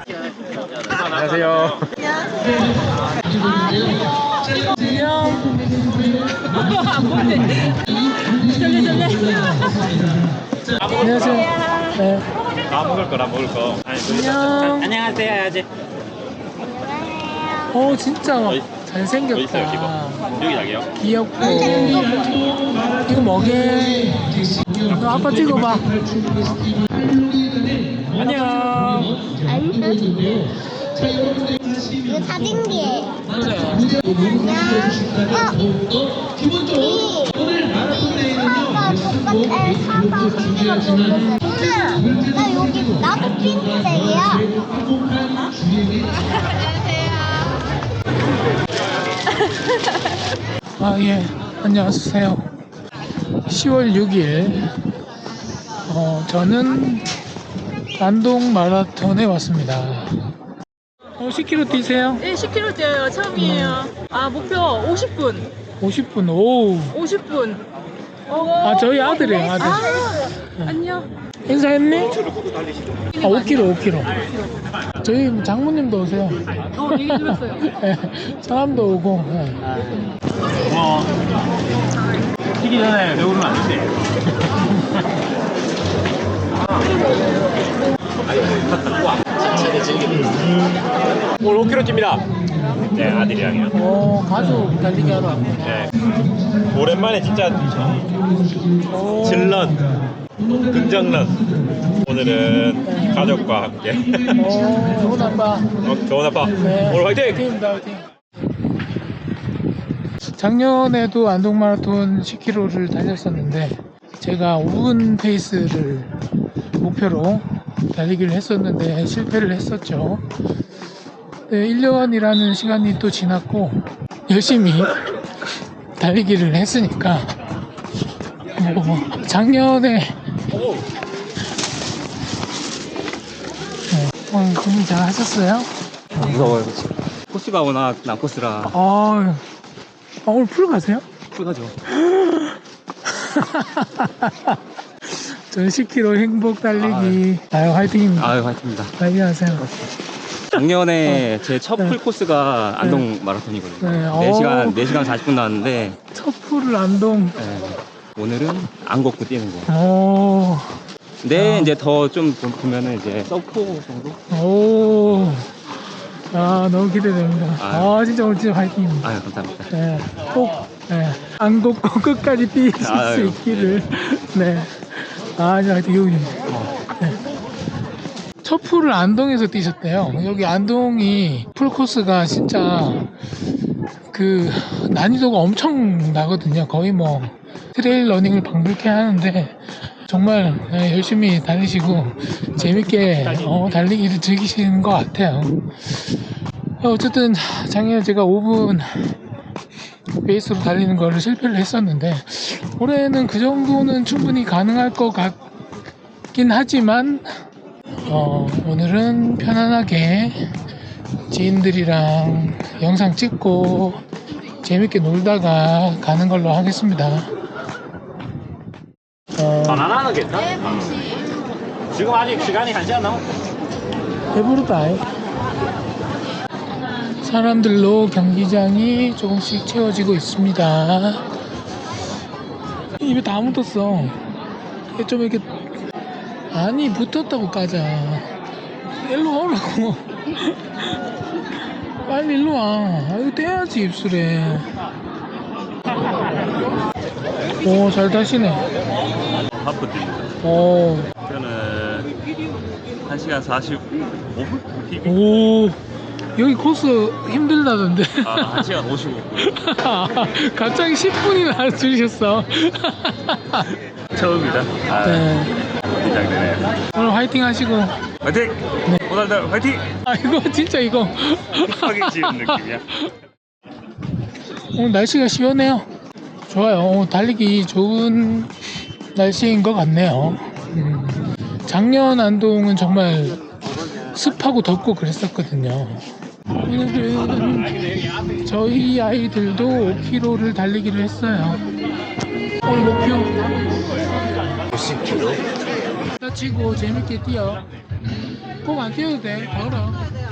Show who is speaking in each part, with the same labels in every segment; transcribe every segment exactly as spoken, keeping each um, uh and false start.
Speaker 1: 안녕하세요.
Speaker 2: 안녕하세요. 네.
Speaker 1: 아 먹을 거라 먹을 거. 아니,
Speaker 2: 안녕.
Speaker 3: 안녕하세요 해야지.
Speaker 2: 어 진짜
Speaker 1: 어디-
Speaker 2: 잘생겼다.
Speaker 1: 어디 있어요 지금? 여기 자기요?
Speaker 2: 귀엽고. 이거 뭐게? 너 아빠 찍어봐. 안녕.
Speaker 4: 이거 사진기예요.
Speaker 2: 그래.
Speaker 4: 안녕. 어? 이 사과 똑같아. 사과 크기가 똑같아. 오늘 나 여기 나도 핑크색이야.
Speaker 2: 아 예. 안녕하세요. 시월 육일. 어 저는 안동 마라톤에 왔습니다. 어 십 킬로미터 뛰세요?
Speaker 5: 네, 십 킬로미터 뛰어요. 처음이에요. 아, 목표 오십 분.
Speaker 2: 오십 분. 오.
Speaker 5: 오십 분.
Speaker 2: 아 저희 아들이에요. 아들.
Speaker 5: 아, 안녕.
Speaker 2: 인사했니? 아 오 킬로미터 오 킬로미터. 저희 장모님도 오세요.
Speaker 5: 어, 얘기 들었어요.
Speaker 2: 네, 사람도 오고. 네.
Speaker 1: 뭐 뛰기 전에 배우면 안 돼. 오늘 오 킬로미터 찝니다. 네 아들이랑요.
Speaker 2: 어 가족 달리기 하러 왔구나.
Speaker 1: 네. 오랜만에 진짜
Speaker 2: 오.
Speaker 1: 질런 긍정런. 오늘은 가족과 함께.
Speaker 2: 어 좋은 아빠.
Speaker 1: 어, 좋은 아빠.
Speaker 2: 네.
Speaker 1: 오늘 화이팅!
Speaker 2: 화이팅입니다, 화이팅. 작년에도 안동 마라톤 십 킬로미터를 달렸었는데 제가 오 분 페이스를 목표로 달리기를 했었는데 실패를 했었죠. 네, 일 년이라는 시간이 또 지났고 열심히 달리기를 했으니까 뭐 작년에 네, 오늘 준비 잘 하셨어요?
Speaker 3: 무서워요. 코스가 워낙 난코스라
Speaker 2: 아, 아 오늘 풀 가세요?
Speaker 3: 풀가죠.
Speaker 2: 전 십 킬로미터 행복 달리기. 아유 화이팅입니다.
Speaker 3: 아유 화이팅입니다.
Speaker 2: 달리기 하세요.
Speaker 3: 작년에 제 첫
Speaker 2: 네.
Speaker 3: 풀 코스가 안동 마라톤이거든요.
Speaker 2: 네,
Speaker 3: 네 시간
Speaker 2: 오.
Speaker 3: 네 시간 사십 분 나왔는데
Speaker 2: 첫 풀을 안동.
Speaker 3: 네, 오늘은 안 걷고 뛰는 거.
Speaker 2: 오,
Speaker 3: 근데
Speaker 2: 아.
Speaker 3: 이제 더 좀 보면은 이제 서포 정도?
Speaker 2: 오, 아 너무 기대됩니다. 아,
Speaker 3: 아유.
Speaker 2: 진짜 오늘 진짜 화이팅입니다.
Speaker 3: 아유 감사합니다.
Speaker 2: 네, 꼭 네, 안 걷고 끝까지 뛰실 수
Speaker 3: 아유.
Speaker 2: 있기를. 네, 아 진짜 화이팅 여기. 네. 첫 풀을 안동에서 뛰셨대요. 여기 안동이 풀 코스가 진짜 그 난이도가 엄청 나거든요. 거의 뭐 트레일 러닝을 방불케 하는데 정말 네, 열심히 달리시고 재밌게 어, 달리기를 즐기시는 것 같아요. 어쨌든 작년에 제가 오 분 베이스로 달리는 거를 실패를 했었는데 올해는 그 정도는 충분히 가능할 것 같긴 하지만 어, 오늘은 편안하게 지인들이랑 영상 찍고 재밌게 놀다가 가는 걸로 하겠습니다. 어,
Speaker 1: 바나나는 괜찮아? 지금 아직 시간이 한 시간 남았어.
Speaker 2: 배부르다. 사람들로 경기장이 조금씩 채워지고 있습니다. 입에 다 묻었어. 이게 좀 이렇게 아니 붙었다고 까자. 일로 오라고. 빨리 일로 와. 아, 이거 떼야지 입술에. 오, 잘 타시네.
Speaker 1: 하프 뜁니다.
Speaker 2: 오,
Speaker 1: 저는 한 시간 사십오 분? 피비?
Speaker 2: 오, 여기 코스 힘들다던데.
Speaker 1: 아, 한 시간 오십오 분.
Speaker 2: 갑자기 십 분이나 줄이셨어.
Speaker 1: 처음이다. 아,
Speaker 2: 네.
Speaker 1: 긴장되네.
Speaker 2: 오늘 화이팅 하시고.
Speaker 1: 화이팅! 오늘도 화이팅!
Speaker 2: 아, 이거 진짜 이거.
Speaker 1: 급하게 지은 느낌이야.
Speaker 2: 오늘 날씨가 시원해요. 좋아요. 오늘 달리기 좋은 날씨인 것 같네요. 음, 작년 안동은 정말 습하고 덥고 그랬었거든요. 오늘은 저희 아이들도 오 킬로미터를 달리기를 했어요. 오늘 목표
Speaker 1: 오십 킬로미터?
Speaker 2: 다치고 재밌게 뛰어. 꼭 안 뛰어도 돼. 걸어.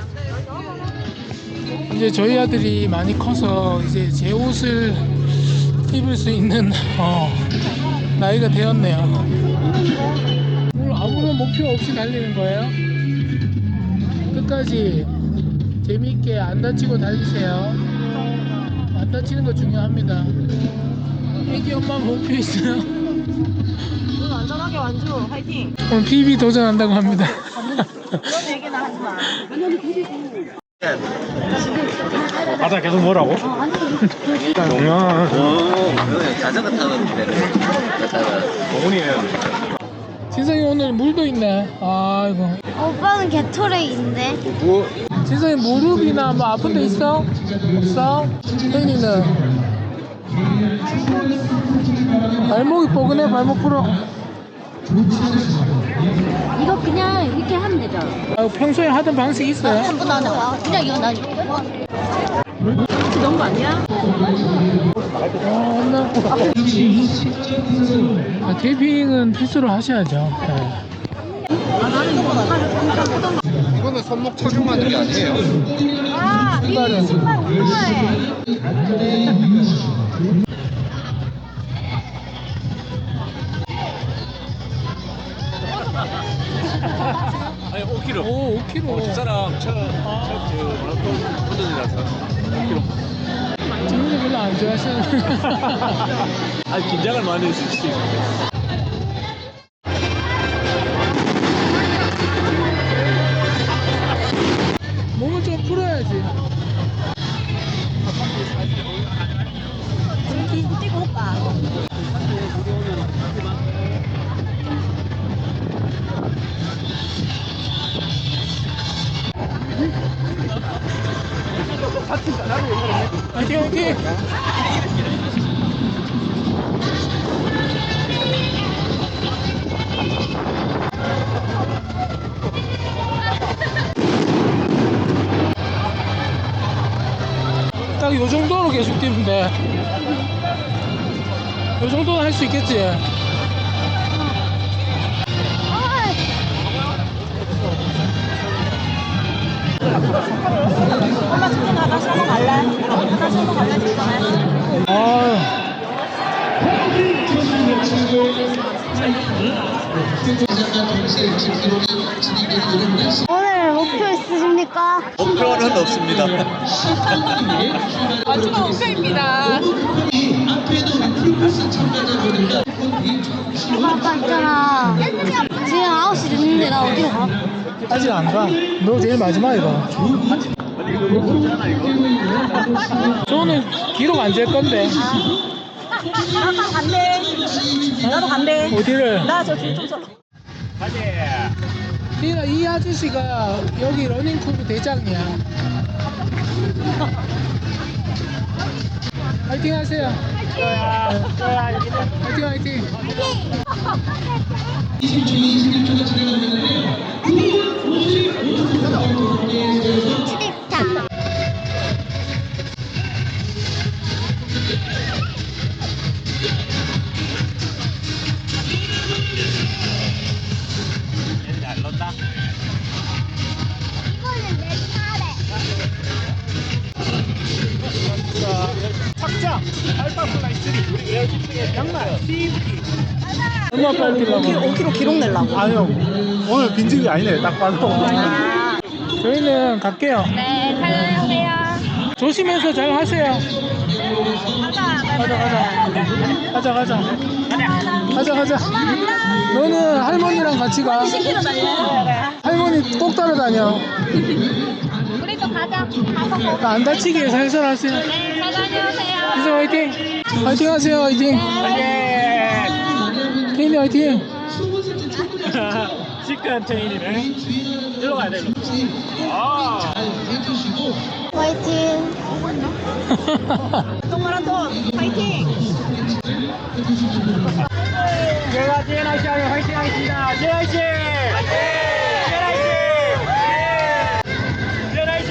Speaker 2: 이제 저희 아들이 많이 커서 이제 제 옷을 입을 수 있는 어, 나이가 되었네요. 오늘 아무런 목표 없이 달리는 거예요. 끝까지 재미있게 안 다치고 달리세요. 안 다치는 거 중요합니다. 애기 엄마 목표 있어요?
Speaker 5: 오늘 안전하게 완주. 화이팅.
Speaker 2: 오늘 피비 도전한다고 합니다.
Speaker 5: 그런 얘기는 하지 마.
Speaker 1: 가자 계속 뭐라고? 동현
Speaker 6: 자전거 타는 데는 갔다가
Speaker 1: 동훈이는
Speaker 2: 진성이 오늘 물도 있네. 아이고.
Speaker 4: 오빠는 개토레인데.
Speaker 2: 진성이 무릎이나 뭐 아픈 데 있어? 없어? 혜인이는? 발목이 뻐근해. 발목 풀어.
Speaker 7: 이거 그냥 이렇게 하면 되죠.
Speaker 2: 아, 평소에 하던 방식이 있어요?
Speaker 7: 한 번 안 해. 그냥 이거 나
Speaker 5: 혹시 넣은 거 아니야?
Speaker 2: 어, 나... 아, 테이핑은 필수로 하셔야죠. 네.
Speaker 6: 이거는 손목 착용하는 게 아니에요.
Speaker 4: 아, 이
Speaker 2: 신발은?
Speaker 4: 신발 운동화에.
Speaker 1: 아니 오 킬로미터.
Speaker 2: 오, 오 킬로미터.
Speaker 1: 어, 두 사람 첫첫그 마라톤 도전이라서 오 킬로미터.
Speaker 2: 지금도 별로 안 좋아하시는.
Speaker 1: 아 긴장을 많이 했을 수 있어.
Speaker 2: 몸을 좀 풀어야지.
Speaker 5: 찍고 올까?
Speaker 2: 화이팅, 화이팅! 딱 요 정도로 계속 뛰면 돼. 요 정도는 할 수 있겠지?
Speaker 5: 엄마 지금 가다 샤워 갈래? 가다 샤워 갈래? 진짜네.
Speaker 2: 아,
Speaker 4: 오늘 목표 있으십니까?
Speaker 6: 목표는 없습니다.
Speaker 5: 완주가 목표입니다.
Speaker 4: 아빠 있잖아. 지금 아홉 시 됐는데 나 어디로 가?
Speaker 2: 아직 안 가. 너 제일 마지막이다. 저는 기록 안 잴 건데.
Speaker 5: 나도 간대. 나도 간대.
Speaker 2: 어디를?
Speaker 5: 나 저 줄 좀 서.
Speaker 2: 이, 이 아저씨가 여기 러닝크루 대장이야. 화이팅 하세요. 화이팅 화이팅.
Speaker 4: 치겠다. 이거는 내 차례.
Speaker 1: 착장 알파플라이 쓰리 우리 에어지프의 양말 씨입기.
Speaker 2: 얼마 빨리 뛰려고?
Speaker 5: 오 킬로미터 기록 내려고.
Speaker 1: 아니요 오늘 빈집이 아니네 딱 봐도.
Speaker 2: 저희는 갈게요.
Speaker 4: 네, 사랑하세요.
Speaker 2: 조심해서 잘 하세요. 가자 가자 가자 가자 가자 가자. 너는 할머니랑 같이 가.
Speaker 5: 킬로 달려.
Speaker 2: 할머니 꼭 따라다녀.
Speaker 4: 우리도 가자. 가서 먹어.
Speaker 2: 안 다치게 살살 하세요.
Speaker 4: 네, 잘 다녀오세요.
Speaker 2: 이제 화이팅. 화이팅 하세요. 화이팅. 케인이 화이팅.
Speaker 1: 시크한 체인이네. 일로 가야 돼. 일로. 아.
Speaker 4: 화이팅.
Speaker 5: 동 마라톤 파이팅.
Speaker 1: 제가 제나이씨 하면 화이팅 하겠습니다. 제나이씨. 제나이씨. 제나이씨.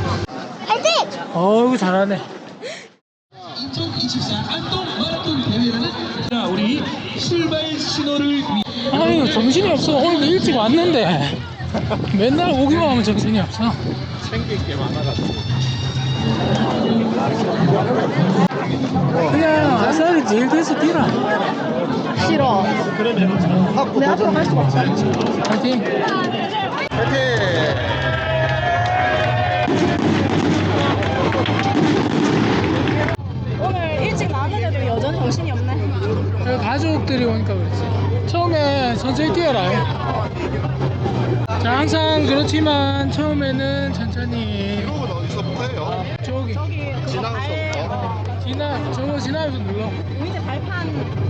Speaker 4: 화이팅!
Speaker 2: 어우 잘하네.
Speaker 8: 이천이십사 안동 마라톤 대회
Speaker 2: 자, 우리 출발 신호를. 아유, 정신이 없어. 오늘도 일찍 왔는데 맨날 오기만 하면 정신이 없어.
Speaker 1: 챙길 게 많아가지고.
Speaker 2: 그냥 아싸리 제일 돼서 뛰라.
Speaker 7: 싫어. 내 앞으로 갈 수가 없어.
Speaker 2: 파이팅.
Speaker 5: 오늘 일찍 나왔는데도 여전히 정신이 없네.
Speaker 2: 가족들이 오니까 그렇지. 처음에 천천히 뛰어라. 자, 항상 그렇지만 처음에는 천천히.
Speaker 6: 이건 어디서부터 해요?
Speaker 2: 저기
Speaker 5: 저기 그거 발, 어,
Speaker 2: 지나 저거 지나면서 눌러.
Speaker 5: 밑에 발판.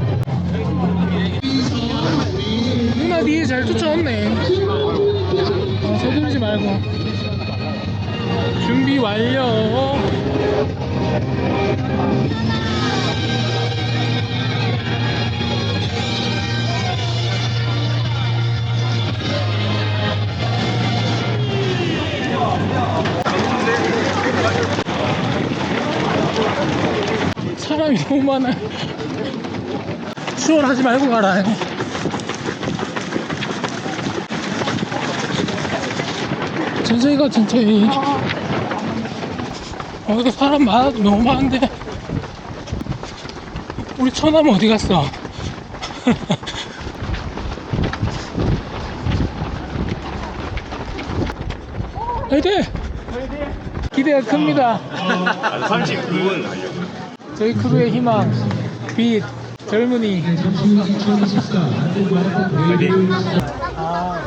Speaker 2: 누나 뒤에 잘 쫓아왔네. 어, 서두르지 말고. 준비 완료. 사람이 너무 많아. 수월하지 말고 가라. 천천히 가, 천천히. 어, 이거 사람 많아, 너무 많은데. 우리 처남 어디 갔어? 화이팅! 기대가 큽니다.
Speaker 1: 삼십구 분.
Speaker 2: 저희 크루의 희망, 빛, 젊은이. 아.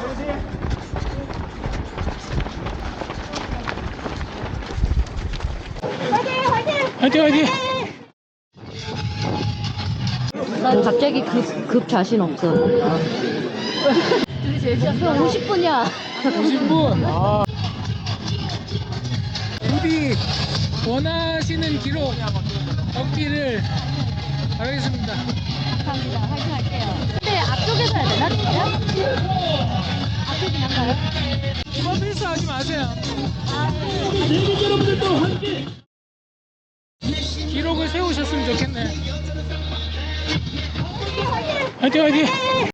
Speaker 2: 화이팅, 화이팅!
Speaker 7: 난 갑자기 급, 급 자신 없어. 그럼 오십 분이야.
Speaker 2: 오십 분. 아. 부디 원하시는 기록 얻기를 바라겠습니다.
Speaker 7: 감사합니다. 화이팅 할게요. 근데 앞쪽에서 해야 되나? 진짜? 앞에 그냥 가요?
Speaker 2: 이번 필수하지 마세요. 내기 여러분들도 함께 기록을 세우셨으면 좋겠네. 화이팅, 화이팅!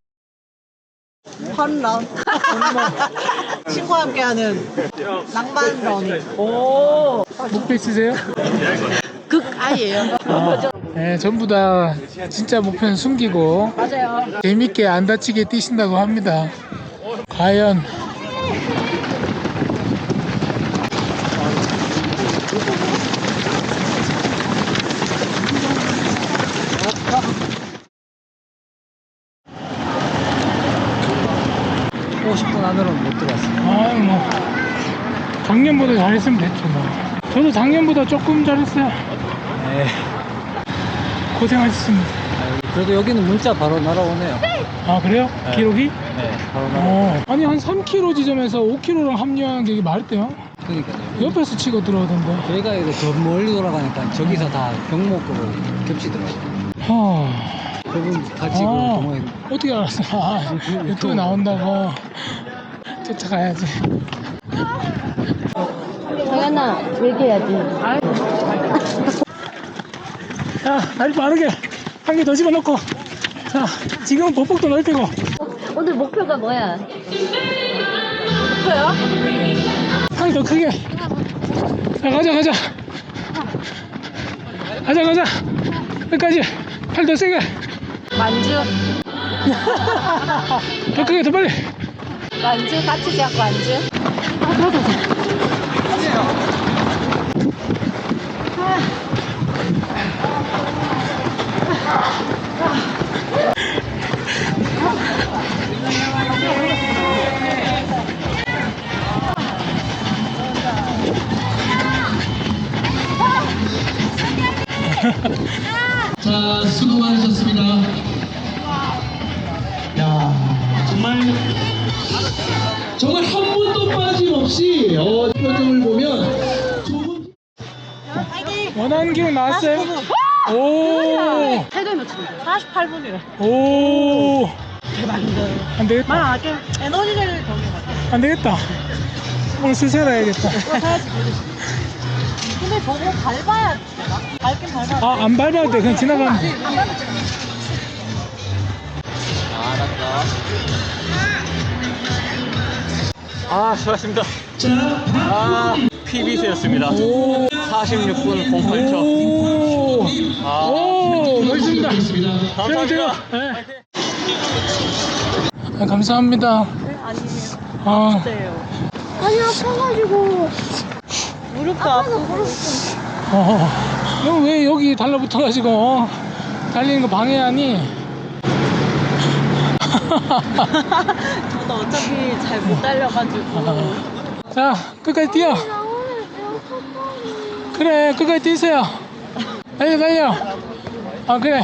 Speaker 8: 펀런 친구와 함께하는 낭만 러닝. 오,
Speaker 2: 목표 있으세요?
Speaker 8: 극아이예요.
Speaker 2: 네, 전부 다 진짜 목표는 숨기고
Speaker 8: 맞아요.
Speaker 2: 재밌게 안 다치게 뛰신다고 합니다. 과연
Speaker 8: 오십 분 안으로는 못 들어왔어요.
Speaker 2: 아유 뭐 작년보다 잘했으면 됐죠 뭐. 저도 작년보다 조금 잘했어요.
Speaker 8: 네.
Speaker 2: 고생하셨습니다.
Speaker 8: 그래도 여기는 문자 바로 날아오네요.
Speaker 2: 아 그래요?
Speaker 8: 네.
Speaker 2: 기록이?
Speaker 8: 네, 바로 날아.
Speaker 2: 어. 아니 한 삼 킬로미터 지점에서 오 킬로미터랑 합류하는 게 이게 말이 돼요?
Speaker 8: 그러니까요.
Speaker 2: 옆에서 치고 들어오던데.
Speaker 8: 저희가 이거 더 멀리 돌아가니까 저기서 다 경목으로 겹치더라고요.
Speaker 2: 하...
Speaker 8: 그분 같이
Speaker 2: 아,
Speaker 8: 그 동호회
Speaker 2: 어떻게 알았어? 아, 유튜브 나온다고 쫓아가야지.
Speaker 7: 정연아, 얘기해야지.
Speaker 2: 자, 다리 빠르게 한 개 더 집어넣고. 자, 지금 보폭도 넓히고.
Speaker 7: 오늘 목표가 뭐야?
Speaker 5: 목표요?
Speaker 2: 한 개 더 크게. 자, 가자, 가자. 가자, 가자. 끝까지. 팔 더 세게.
Speaker 5: 만주.
Speaker 2: 더 크게, 더 빨리.
Speaker 5: 만주 같이 잡고 만주.
Speaker 2: 자, 수고 많으셨습니다. 야, 정말 정말 한 번도 빠짐없이 어, 표정을 보면 조금 원하는 기록 나왔어요? 오,
Speaker 7: 태도에 맞춘다.
Speaker 5: 사십팔 분이래.
Speaker 2: 오,
Speaker 8: 대박인데.
Speaker 2: 안 되겠다.
Speaker 8: 아, 좀 에너지를 더
Speaker 2: 안 되겠다. 오늘 술 사러 야겠다.
Speaker 5: 근데 근데 저거 밟아야 되나? 밟긴 밟아야 돼.
Speaker 2: 아, 안 밟아도 돼. 그냥 지나가면 돼.
Speaker 3: 아, 수고하셨습니다. 아, 피비스였습니다.
Speaker 2: 오.
Speaker 3: 사십육 분 공팔 초.
Speaker 2: 오.
Speaker 3: 아.
Speaker 2: 오, 멋있습니다.
Speaker 3: 감사합니다.
Speaker 2: 네. 아, 감사합니다.
Speaker 5: 네, 아니에요.
Speaker 2: 아,
Speaker 5: 진짜예요.
Speaker 4: 아니 아파가지고.
Speaker 5: 무릎도 아프고.
Speaker 2: 어, 너 왜 여기 달라붙어가지고 어? 달리는 거 방해하니?
Speaker 5: 저도 어차피 잘 못 달려가지고.
Speaker 2: 자, 끝까지 뛰어.
Speaker 4: 나 오늘 배고팠거든.
Speaker 2: 그래, 끝까지 뛰세요. 달려, 달려. 아, 그래.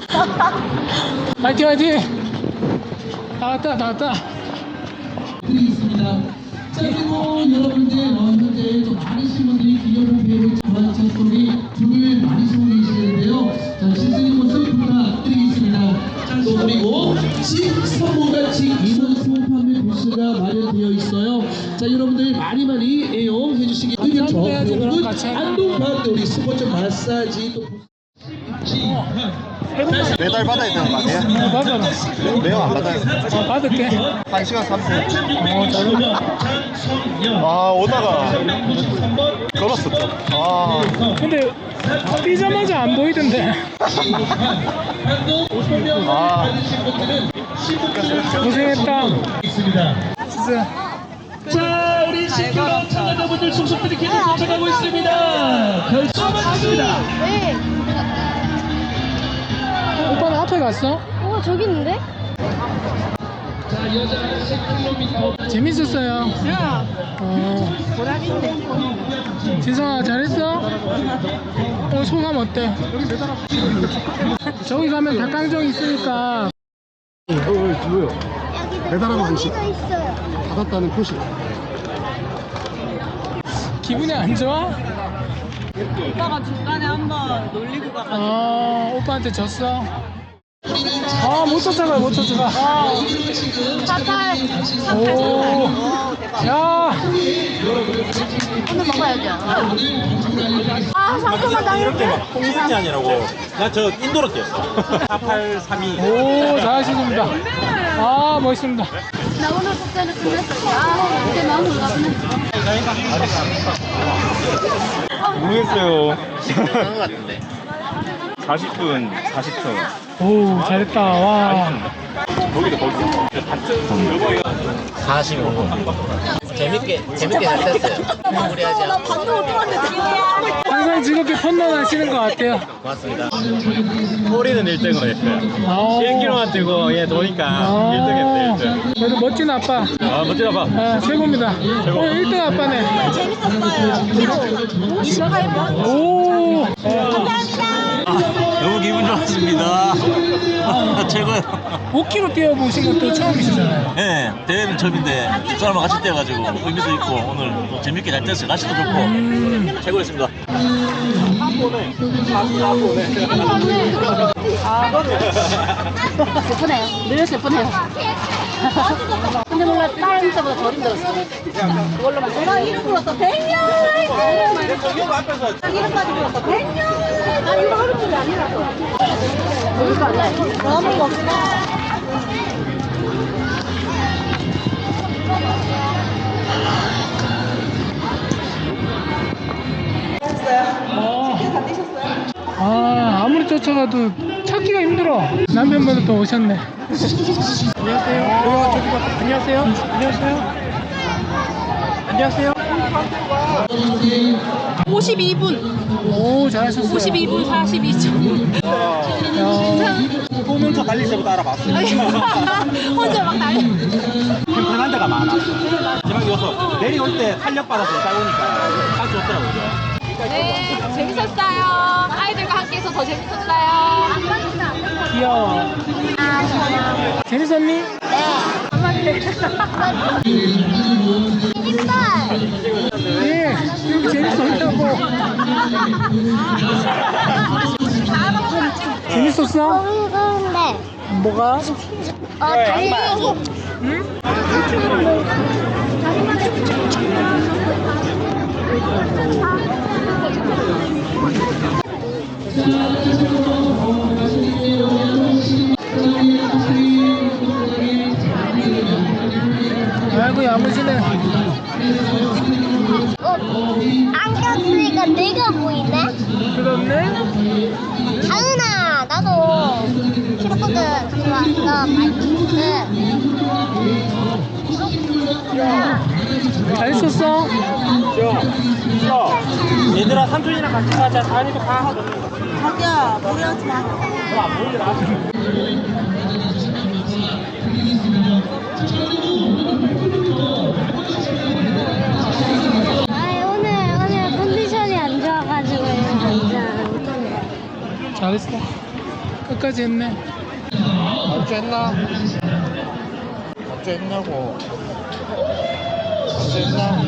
Speaker 2: 화이팅, 화이팅. 다 왔다, 다 왔다.
Speaker 9: 드리겠습니다. 자, 그리고 여러분들 어, 현재 좀 많으신 분들이 기념 배우 전화차 소리 줄을 많이 서고 계시는데요. 자, 신선한 모습 부탁드리겠습니다. 자, 또 그리고 직선모같이 이동 소판매 부스가 마련되어 있어요. 자, 여러분들 많이 많이 애용해 주시기 바랍니다.
Speaker 2: 해야지, 그럼 같이.
Speaker 9: 안동반대 우리 스포츠 마사지 또
Speaker 6: 매달 받아야 되는 거 아니에요?
Speaker 2: 어, 받아라.
Speaker 6: 매형 안 받아요.
Speaker 2: 어, 받을게.
Speaker 6: 한 시간 삼십 분.
Speaker 2: 어, 잘한다.
Speaker 6: 아, 오다가 걸었었죠. 아,
Speaker 2: 근데 뛰자마자 안 보이던데.
Speaker 6: 아.
Speaker 2: 고생했다. 진짜.
Speaker 9: 자, 우리 시클럽 참가자분들 속속들이 계속 도착하고 있습니다. 결정하겠습니다.
Speaker 4: 네.
Speaker 2: 오빠는 앞에 갔어?
Speaker 4: 어 저기 있는데?
Speaker 9: 자, 여자 십 킬로미터
Speaker 2: 재밌었어요. 어. 진성아, 잘했어? 어, 소감 어때? 저기 가면 닭강정 있으니까.
Speaker 4: 배달하는 음식. 있어요.
Speaker 6: 받았다는 표시.
Speaker 2: 기분이 안 좋아?
Speaker 5: 오빠가 중간에 한번 놀리고 가가지고.
Speaker 2: 아, 오빠한테 졌어? 아, 못 쫓아가, 못 쫓아가.
Speaker 4: 사탈.
Speaker 2: 오, 야,
Speaker 4: 오늘 먹어야죠. 아 잠깐만 나 이렇게.
Speaker 10: 공산이 아니라고 나 저 인도로 뛰었어. 사팔삼이.
Speaker 2: 오, 잘하십니다. 아, 멋있습니다.
Speaker 4: 나 오늘 숙제는 끝냈어. 아 그때 마음으로 가보네.
Speaker 10: 모르겠어요.
Speaker 6: 그런 거 같은데.
Speaker 10: 사십 분 사십 초.
Speaker 2: 오, 잘했다. 와.
Speaker 10: 거기도 거기도.
Speaker 6: 사십오 분. 재밌게, 재밌게 잘 됐어요. 마무리하지 않고.
Speaker 2: 항상 즐겁게 펀런 하시는 것 같아요.
Speaker 6: 고맙습니다.
Speaker 10: 꼬리는 일 등으로 했어요.
Speaker 2: 아오.
Speaker 10: 일 킬로미터만 뛰고 얘 도니까
Speaker 2: 아,
Speaker 10: 일 등 했어요. 일 등.
Speaker 2: 그래도 멋진 아빠.
Speaker 10: 아, 멋지다 봐.
Speaker 2: 아, 최고입니다. 오늘 일 등 아빠네.
Speaker 5: 재밌었어요. 이십팔 번.
Speaker 2: 오.
Speaker 10: 너무 기분 좋았습니다. 최고요.
Speaker 2: 오 킬로미터 뛰어보신 것도 처음이시잖아요.
Speaker 10: 네, 대회는 처음인데 집사람과 같이 뛰어가지고 의미도 있고 오늘 또 재밌게 잘 뛰었어요. 날씨도 좋고
Speaker 2: 음.
Speaker 10: 최고였습니다.
Speaker 4: 슬프네요. 늘 슬프네요. 근데 몰라 다른 때보다 덜 힘들었어. 그걸로만 내가 이름 불었어. 백년. 이름까지 불었어. 백년. 나 이거 하는 줄이 아니라고. 그러니까 안 나. 너무 멋있다.
Speaker 2: 아, 아무리 쫓아가도 찾기가 힘들어. 남편분도 또 오셨네. 안녕하세요. 어, 저기 봐. 안녕하세요. 안녕하세요. 안녕하세요.
Speaker 5: 오십이 분.
Speaker 2: 오, 잘하셨어요.
Speaker 5: 오십이 분 사십이 초.
Speaker 10: 보면서 달릴 때부터 알아봤어요.
Speaker 5: 혼자 막 달려.
Speaker 10: 편한 데가 많아. 마지막에 여기서 내려올 때 탄력받아서 잘 오니까 아주 좋더라고요.
Speaker 7: 네, 재밌었어요. 아이들과 함께해서 더 재밌었어요.
Speaker 2: 귀여워. 재밌었니? 예, 여기 재밌었다고. 재밌었어?
Speaker 4: 네.
Speaker 2: 뭐가?
Speaker 4: 어 달리기.
Speaker 2: 응? 아이고 야무지네.
Speaker 5: 안 꼈으니까 내가 보이네?
Speaker 2: 그렇네.
Speaker 5: 다은아, 나도 키로코드 갖고 왔어. 맛있는데.
Speaker 2: 잘 있었어?
Speaker 10: 얘들아 삼촌이랑 같이 가자. 다니도 가.
Speaker 5: 자기야, 무리하지 마. 아이, 오늘, 오늘 컨디션이 안 좋아가지고, 진짜.
Speaker 2: 잘했어. 끝까지 했네.
Speaker 1: 언제 했나? 언제 했냐고. 언제 했나?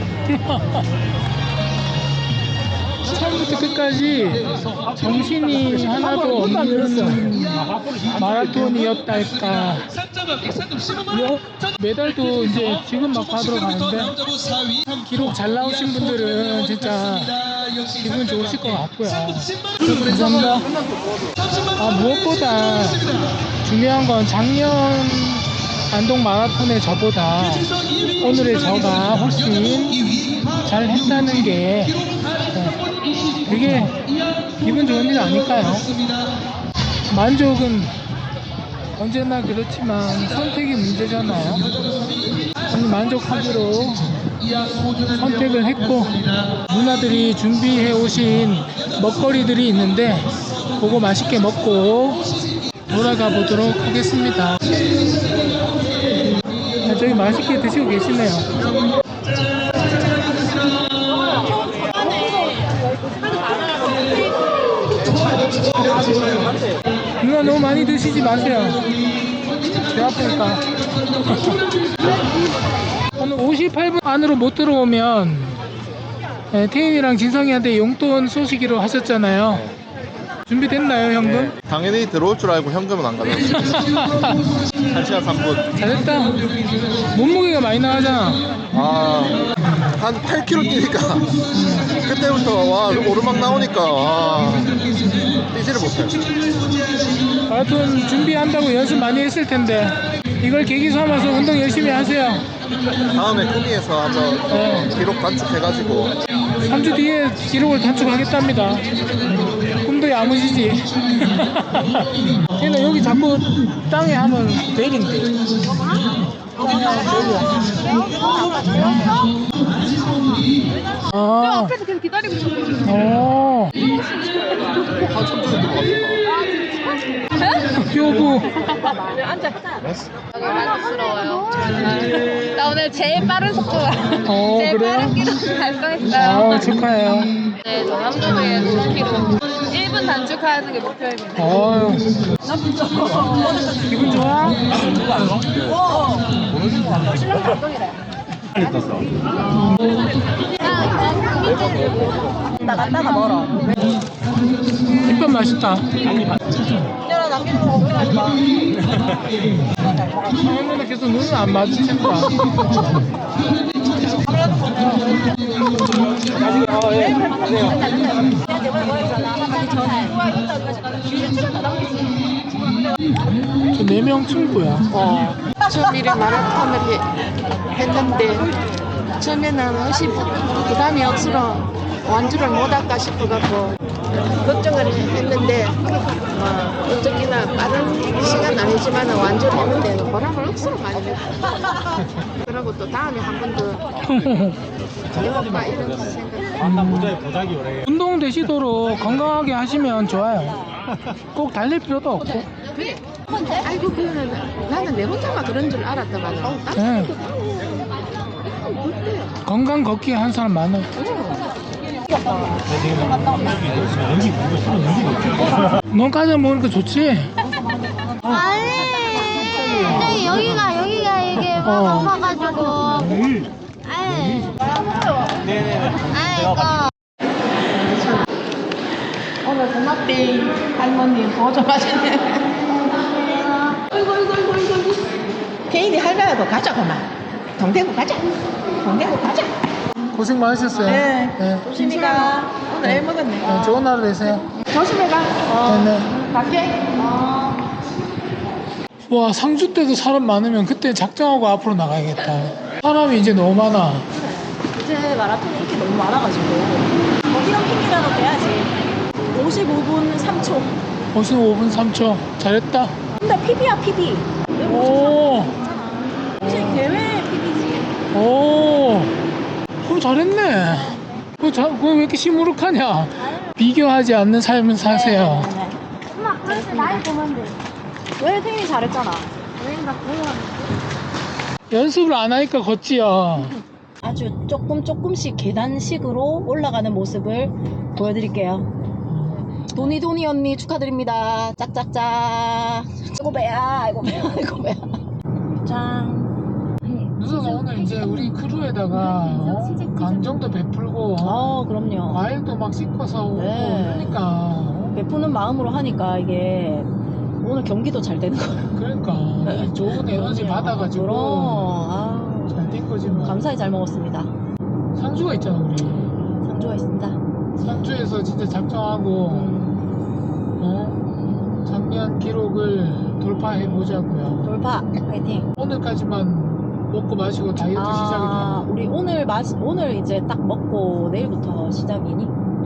Speaker 2: 처음부터 끝까지 정신이 하나도 없는 마라톤이었달까. 메달도 이제 지금 막 받으러 가는데 기록 잘 나오신 분들은 진짜 기분 좋으실 것 같고요. 감사합니다. 아, 무엇보다 중요한 건 작년 안동 마라톤의 저보다 오늘의 저가 훨씬 잘 했다는 게 되게 기분 좋은 일 아닐까요? 만족은 언제나 그렇지만 선택이 문제잖아요. 저는 만족하기로 선택을 했고, 누나들이 준비해 오신 먹거리들이 있는데 그거 맛있게 먹고 돌아가 보도록 하겠습니다. 아, 저기 맛있게 드시고 계시네요. 누나 너무 많이 드시지 마세요. 배 아프니까. 오늘 오십팔 분 안으로 못 들어오면 네, 태인이랑 진성이한테 용돈 쏘시기로 하셨잖아요. 준비됐나요, 현금?
Speaker 1: 네, 당연히 들어올 줄 알고 현금은 안 가져왔어요. 한 시간 삼 분.
Speaker 2: 잘했다. 몸무게가 많이 나가잖아.
Speaker 1: 아, 한 팔 킬로미터 뛰니까 그때부터 와 오르막 나오니까 와 뛰지를 못해요.
Speaker 2: 마라톤 준비한다고 연습 많이 했을 텐데 이걸 계기 삼아서 운동 열심히 하세요.
Speaker 1: 다음에 꾸미에서 한번
Speaker 2: 네.
Speaker 1: 기록 단축해가지고
Speaker 2: 삼 주 뒤에 기록을 단축하겠답니다. 꿈도 야무지지. 걔는 여기 자꾸 땅에 하면 베린대. 아,
Speaker 7: 앞에서 계속 기다리고 있었거든요.
Speaker 2: 어,
Speaker 1: 한참 전에 들어왔어.
Speaker 2: 효부.
Speaker 7: 앉아. 너무 만족스러워요. 나 오늘 제일 빠른 속도가
Speaker 2: 어,
Speaker 7: 제일
Speaker 2: 그래요?
Speaker 7: 빠른 기록 달성했어요.
Speaker 2: 아, 축하해요.
Speaker 7: 네, 저 남도에 십 킬로미터 일 분 단축하는 게 목표입니다.
Speaker 2: 어휴. 기분 좋아?
Speaker 5: 나갔다가 멀어.
Speaker 2: 햇볕 맛있다.
Speaker 5: 내가 남기는 거 그러니까.
Speaker 2: 할머니 계속 눈을 안 마주친다. 저 네 명 친구야.
Speaker 11: 어, 처음에 마라톤을 해- 했는데 처음에는 의식 부담이 억수로 완주를 못할까 싶어갖고 걱정을 했는데 어, 어쩌기나 빠른 시간 아니지만 완주를 했는데 보람을 억수로 많이 했어. 그러고 또 다음에 한 번 더 해볼까 이런 생각.
Speaker 10: 아까 모자에 보자기 오래.
Speaker 2: 운동 되시도록 건강하게 하시면 좋아요. 꼭 달릴 필요도 없고.
Speaker 11: 그래. 아이고 그거는 나는 내 혼자만 그런 줄 알았더만.
Speaker 2: 네. 건강 걷기 한 사람 많아요. 넌까지 먹으니까 좋지?
Speaker 5: 아니, 근데 여기가, 여기가 이게
Speaker 2: 어.
Speaker 5: 막 아파가지고. 아이. 아이고.
Speaker 11: 오늘 고맙대 할머니 보조 마시네. 아이고 아이고 아이고 아이고. 개인이 할머니도 가자 그만. 동대구 가자. 동대구 가자.
Speaker 2: 고생 많으셨어요.
Speaker 11: 네.
Speaker 2: 네.
Speaker 11: 조심히 가. 오늘 애 먹었네.
Speaker 2: 네, 좋은 하루 되세요.
Speaker 11: 조심히 가. 어.
Speaker 2: 네네.
Speaker 11: 갈게. 어.
Speaker 2: 와, 상주 때도 사람 많으면 그때 작정하고 앞으로 나가야겠다. 사람이 이제 너무 많아.
Speaker 5: 이제 마라톤 인기 너무 많아가지고 뭐 이런 핑계라도 대야지. 오십오 분 삼 초.
Speaker 2: 오십오 분 삼 초. 잘했다.
Speaker 5: 근데 피비야 피비.
Speaker 2: 오,
Speaker 5: 혹시 대회 피비지?
Speaker 2: 오, 그거 잘했네. 그거, 자, 그거 왜 이렇게 시무룩하냐? 비교하지 않는 삶을 사세요.
Speaker 5: 엄마 그래서 나이 보면 돼. 왜 태민이 잘했잖아. 왜나 보면
Speaker 2: 연습을 안 하니까 걷지요.
Speaker 5: 아주 조금 조금씩 계단식으로 올라가는 모습을 보여드릴게요. 도니 도니 언니 축하드립니다. 짝짝짝. 아이고 배야, 아이고 배야, 아이고 배야. 짠.
Speaker 2: 누나가 오늘 이제 우리 크루에다가 어? 감정도 베풀고
Speaker 5: 어, 그럼요.
Speaker 2: 과일도 막 씻고서 오고
Speaker 5: 네.
Speaker 2: 그러니까 어?
Speaker 5: 베푸는 마음으로 하니까 이게 오늘 경기도 잘 되는 거예요.
Speaker 2: 그러니까 이 좋은 에너지 받아가지고
Speaker 5: 그럼, 아,
Speaker 2: 잘 된 거지 뭐.
Speaker 5: 감사히 잘 먹었습니다.
Speaker 2: 상주가 있잖아 우리.
Speaker 5: 상주가 있습니다.
Speaker 2: 상주에서 진짜 작정하고
Speaker 5: 음,
Speaker 2: 어? 작년 기록을 돌파해 보자고요.
Speaker 5: 돌파 파이팅.
Speaker 2: 오늘까지만 먹고 마시고 다이어트
Speaker 5: 아,
Speaker 2: 시작이다.
Speaker 5: 우리 오늘 마시 오늘 이제 딱 먹고 내일부터 시작이니?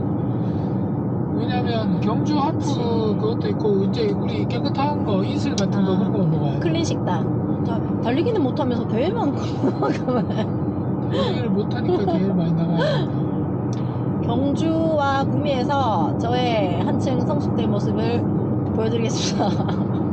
Speaker 2: 왜냐면 경주 하프 그것도 있고 이제 우리 깨끗한 거 이슬 같은 거
Speaker 5: 아,
Speaker 2: 그런 거 먹어야 돼.
Speaker 5: 클린 식단. 다, 달리기는 못하면서 대회만
Speaker 2: 달리기를 못하니까 대회 많이 나가야 된다.
Speaker 5: 경주와 구미에서 저의 한층 성숙된 모습을 보여드리겠습니다.